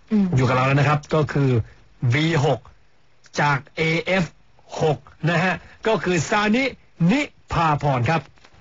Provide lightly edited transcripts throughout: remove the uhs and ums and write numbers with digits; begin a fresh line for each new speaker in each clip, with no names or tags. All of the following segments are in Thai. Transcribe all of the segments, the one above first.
อยู่กับเราแล้วนะครับก็คือ V6 จาก AF6 นะฮะก็คือซานินิพาพรครับ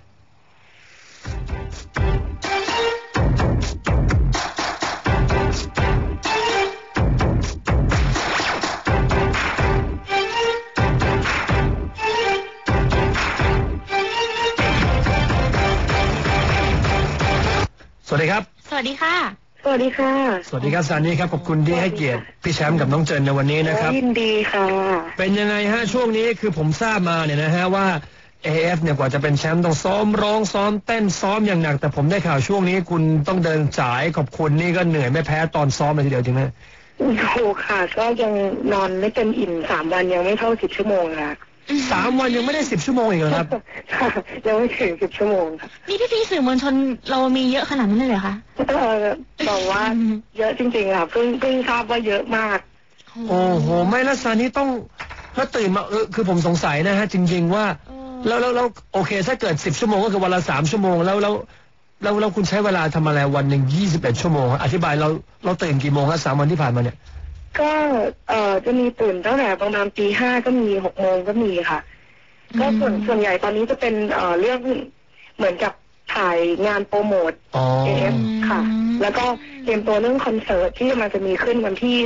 สวัสดีครับ
สวัสดีค่ะ
สวัสดีค่ะ
สวัสดีครับซานิครับขอบคุณที่ให้เกียรติพี่แชมป์กับน้องเจนในวันนี้นะครับ
ยินดีค่ะ
เป็นยังไงฮะช่วงนี้คือผมทราบมาเนี่ยนะฮะว่า AF เนี่ยกว่าจะเป็นแชมป์ต้องซ้อมร้องซ้อมเต้นซ้อมอย่างหนักแต่ผมได้ข่าวช่วงนี้คุณต้องเดินสายขอบคุณนี่ก็เหนื่อยไม่แพ้ตอนซ้อมเลยทีเดียวจริงไหม
ถูกค่ะก็ยังนอนไม่เต็มอิ่ม3 วันยังไม่เท่า10 ชั่วโมงค่ะ
3 วันยังไม่ได้10 ชั่วโมงอีกเหรอครับ
ยังไม่ถึง10 ชั่วโมง
นี่พี่สื่อมวลชนเรามีเยอะขนาดนั้นเลยเหรอคะ
บอกว่าเยอะจริงๆค่ะเพิ่งทราบว่าเยอะมาก
โอ้โหไม่ละซานิต้องแล้วตื่นมาคือผมสงสัยนะฮะจริงๆว่าแล้วโอเคถ้าเกิด10 ชั่วโมงก็คือวันละ3 ชั่วโมงแล้วคุณใช้เวลาทำอะไรวันหนึ่ง21 ชั่วโมงอธิบายเราตื่นกี่โมงครับ3 วันที่ผ่านมาเนี่ย
ก็จะมีตื่นตั้งแต่ประมาณตี 5ก็มี6 โมงก็มีค่ะก็ส่วนใหญ่ตอนนี้จะเป็นเรื่องเหมือนกับถ่ายงานโปรโมทAF ค่ะแล้วก็เตรียมตัวเรื่องคอนเสิร์ตที่มันจะมีขึ้นวันที่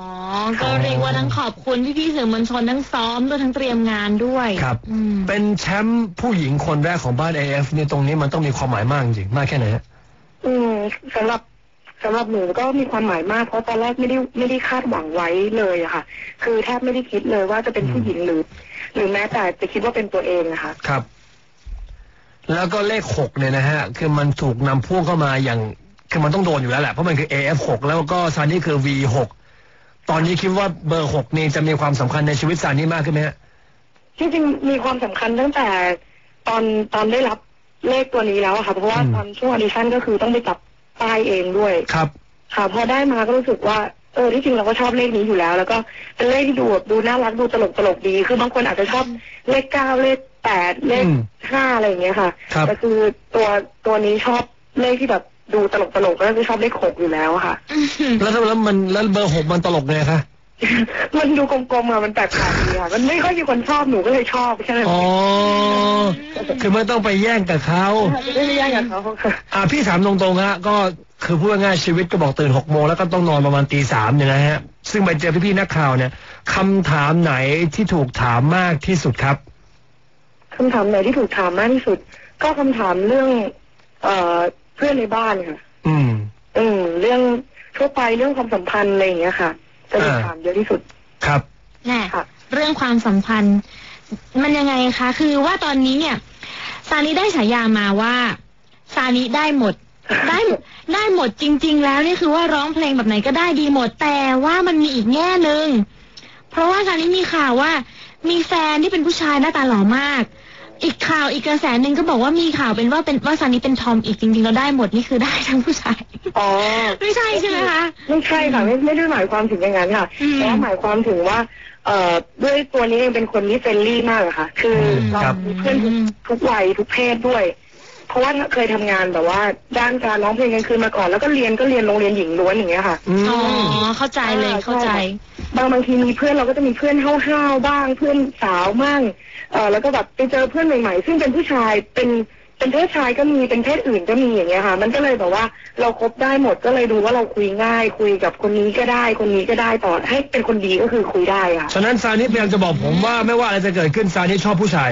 31
ก็เรียกว่าทั้งขอบคุณพี่สื่อมวลชนทั้งซ้อมด้วยทั้งเตรียมงานด้วย
ครับเป็นแชมป์ผู้หญิงคนแรกของบ้าน AF เนี่ยตรงนี้มันต้องมีความหมายมากจริงมากแค่ไหนฮะ
สำหรับหนูก็มีความหมายมากเพราะตอนแรกไม่ได้คาดหวังไว้เลยอะค่ะคือแทบไม่ได้คิดเลยว่าจะเป็นผู้หญิงหรือแม้แต่จะคิดว่าเป็นตัวเองนะคะ
ครับแล้วก็เลข6เนี่ยนะฮะคือมันถูกนำพ่วงเข้ามาอย่างคือมันต้องโดนอยู่แล้วแหละเพราะมันคือ AF6 แล้วก็ซานี่คือ V6 ตอนนี้คิดว่าเบอร์6นี่จะมีความสำคัญในชีวิตซานี่มากขึ้นไหมฮะ
จริงๆมีความสำคัญตั้งแต่ตอนได้รับเลขตัวนี้แล้วค่ะเพราะว่าตอนช่วงออดิชั่นก็คือต้องไปจับป้ายเองด้วย
ครับ
ค่ะพอได้มาก็รู้สึกว่าที่จริงเราก็ชอบเลขนี้อยู่แล้วแล้วก็เป็นเลขที่ดูน่ารักดูตลกดีคือบางคนอาจจะชอบเลข9เลข8เลข5อะไรอย่างเงี้ยค่ะแต่คือตัวนี้ชอบเลขที่แบบดูตลกก็คือชอบเลข6อยู่แล้วค่ะ
แล้วเบอร์6มันตลกไงคะ
มันดูกลมๆอะมันแปลกๆดีค่ะมันไม่ค่อยมีคนชอบหนูก็เลยชอบใช่ไหม
อ๋อคือไม่ต้องไปแย่งกับเขา
ไม่ได้แย่งกับเขา
ค่ะพี่ถามตรงๆฮะก็คือพูดง่ายชีวิตก็บอกตื่น6 โมงแล้วก็ต้องนอนประมาณตี 3เนี่ยนะฮะซึ่งไปเจอพี่ๆนักข่าวเนี่ยคำถามไหนที่ถูกถามมากที่สุดครับ
คำถามไหนที่ถูกถามมากที่สุดก็คำถามเรื่องเพื่อนในบ้านค่ะเรื่องทั่วไปเรื่องความสัมพันธ์อะไรอย่างเงี้ยค่ะจะถูกถามเยอะที่สุด
ครับ
แน่เรื่องความสัมพันธ์มันยังไงคะคือว่าตอนนี้เนี่ยซานิได้ฉายามาว่าซานิได้หมดได้หมดจริงๆแล้วนี่คือว่าร้องเพลงแบบไหนก็ได้ดีหมดแต่ว่ามันมีอีกแง่นึงเพราะว่าซานิมีข่าวว่ามีแฟนที่เป็นผู้ชายหน้าตาหล่อมากอีกข่าวอีกกระแสหนึ่งก็บอกว่ามีข่าวเป็นว่าซานิเป็นทอมอีกจริงๆเราได้หมดนี่คือได้ทั้งผู้ชายไม่ใช่ใช่ไหมคะ
ไม่ใช่ค่ะไม่ได้หมายความถึงอย่างนั้นค่ะแต่หมายความถึงว่าด้วยตัวนี้เองเป็นคนที่เฟรนลี่มากอะค่ะคือเรามีเพื่อนทุกวัยทุกเพศด้วยเพราะว่าเคยทำงานแบบว่าด้านการร้องเพลงกลางคืนมาก่อนแล้วก็เรียนโรงเรียนหญิงล้วนอย่างเงี้ยค่ะ
อ๋อเข้าใจเลยเข้าใจ
บางทีมีเพื่อนเราก็จะมีเพื่อนห้าวๆบ้างเพื่อนสาวมั่งแล้วก็แบบไปเจอเพื่อนใหม่ๆซึ่งเป็นผู้ชายเป็นเพศชายก็มีเป็นเพศอื่นก็มีอย่างเงี้ยค่ะมันก็เลยแบบว่าเราคบได้หมดก็เลยดูว่าเราคุยง่ายคุยกับคนนี้ก็ได้คนนี้ก็ได้ต่อให้เป็นคนดีก็คือคุยได้ค่ะ
ฉะนั้นซานิพยายามจะบอกผมว่าไม่ว่าอะไรจะเกิดขึ้นซานิชอบผู้ชาย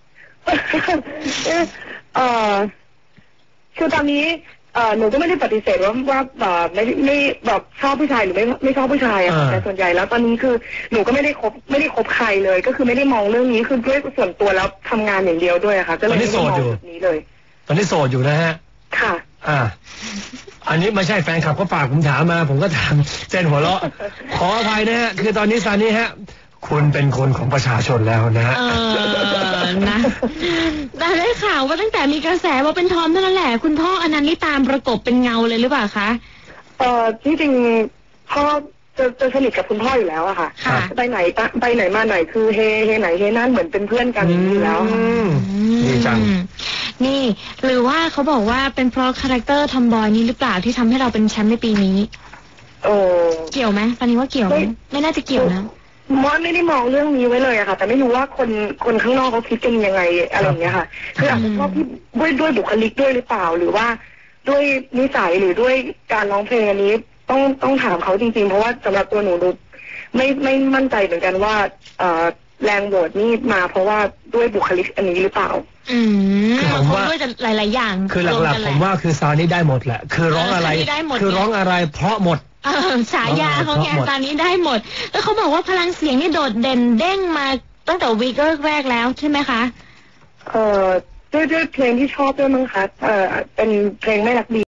คือตอนนี้หนูก็ไม่ได้ปฏิเสธว่าไม่แบบชอบผู้ชายหรือไม่ชอบผู้ชายอะแต่ส่วนใหญ่แล้วตอนนี้คือหนูก็ไม่ได้คบใครเลยก็คือไม่ได้มองเรื่องนี้คือด้วยส่วนตัวแล้วทำงานอย่างเดียวด้วยค่ะก็เลยไม่ได้มองแบบนี้เลย
ตอนนี้โสดอยู่นะฮะ
ค่ะ
อันนี้ไม่ใช่แฟนคลับก็ฝากผมถามมาผมก็ถามเจนหัวเราะขออภัยนะฮะคือตอนนี้ซานิฮะคุณเป็นคนของประชาชนแล้วนะ
นะแต่ได้ข่าวว่าตั้งแต่มีกระแสว่าเป็นทอมเท่านั้นแหละคุณพ่ออนันต์นี่ตามประกบเป็นเงาเลยหรือเปล่าคะ
ที่จริงพ่อจะสนิทกับคุณพ่ออยู่แล้วอะค่ะไปไหนมาไหนคือเฮไหนเฮนั่นเหมือนเป็นเพื่อนกันอยู่แล้ว
ดีจัง
นี่หรือว่าเขาบอกว่าเป็นเพราะคาแรคเตอร์ทอมบอยนี้หรือเปล่าที่ทำให้เราเป็นแชมป์ในปีนี้เกี่ยวไหมตอนนี้ว่าเกี่ยวไหมไม่น่าจะเกี่ยวนะ
มอนไม่ได้มองเรื่องนี้ไว้เลยอะค่ะแต่ไม่รู้ว่าคนข้างนอกเขาคิดกันยังไงอะไรอย่างเงี้ยค่ะคืออาจจะชอบพี่ด้วยบุคลิกด้วยหรือเปล่าหรือว่าด้วยนิสัยหรือด้วยการร้องเพลงอันนี้ต้องถามเขาจริงๆเพราะว่าสำหรับตัวหนูไม่มั่นใจเหมือนกันว่าแรงโหวตนี่มาเพราะว่าด้วยบุคลิกอันนี้หรือเปล่า
คือผมว่าด้วยหลายๆอย่าง
คือหลักๆผมว่าคือซานี่ได้หมดแหละคือร้องอะไรคือร้องอะไรเพราะหมด
ฉายาเขาไงตอนนี้ได้หมดแล้วเขาบอกว่าพลังเสียงนี่โดดเด่นเด้งมาตั้งแต่วีคแรกแล้วใช่ไหมคะ
ด้วยเพลงที่ชอบด้วยมั้งคะเป็นเพลงไม่รักดี